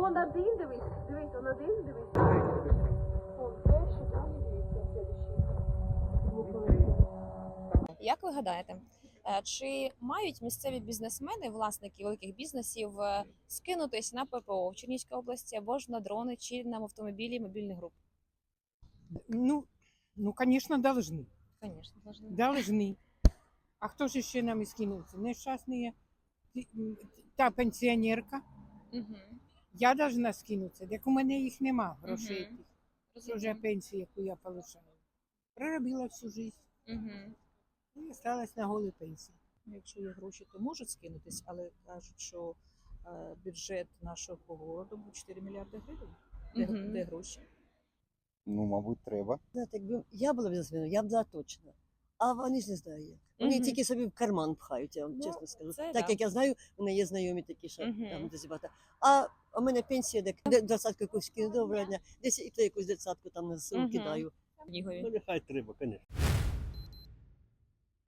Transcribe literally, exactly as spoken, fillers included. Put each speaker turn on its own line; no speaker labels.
он один, дивись, дивись, он один, дивись. Он перший, там, дивіться, следующий.
Як ви гадаєте, е, чи мають місцеві бізнесмени, власники великих бізнесів, е, скинутись на ППО в Чернігівській області або ж на дрони чи на автомобілі мобільних груп?
Ну, ну, конечно, должны.
Звісно, можна.
Должны. А хто ж ще нам і скинувся? Нещасні, та пенсіонерка.
Угу.
Я должна скинутися, як у мене їх нема, грошей.
Мгм.
Тих. Це вже пенсія, яку я получаю. Проробила всю життя.
Угу.
І осталась на голій пенсії.
Якщо є гроші, то можуть скинутись, але кажуть, що е, бюджет нашого городу був чотири мільярди гривень. Де,
Мгм.
де гроші?
Ну, мабуть, треба.
Знаєте, якби я була бізнесменом, я б дала точно. А вони ж не знають як. Вони
Мгм.
тільки собі в карман пхають, я вам
Ну,
чесно скажу.
це
Так
да.
як я знаю, у мене є знайомі такі, що
Мгм.
там дуже багато. А у мене пенсія, де де двадцятку якусь кину, доброго дня, десь і то якусь двадцятку там на ЗСУ
Мгм.
кидаю.
Чернігові.
Ну, нехай треба, звісно.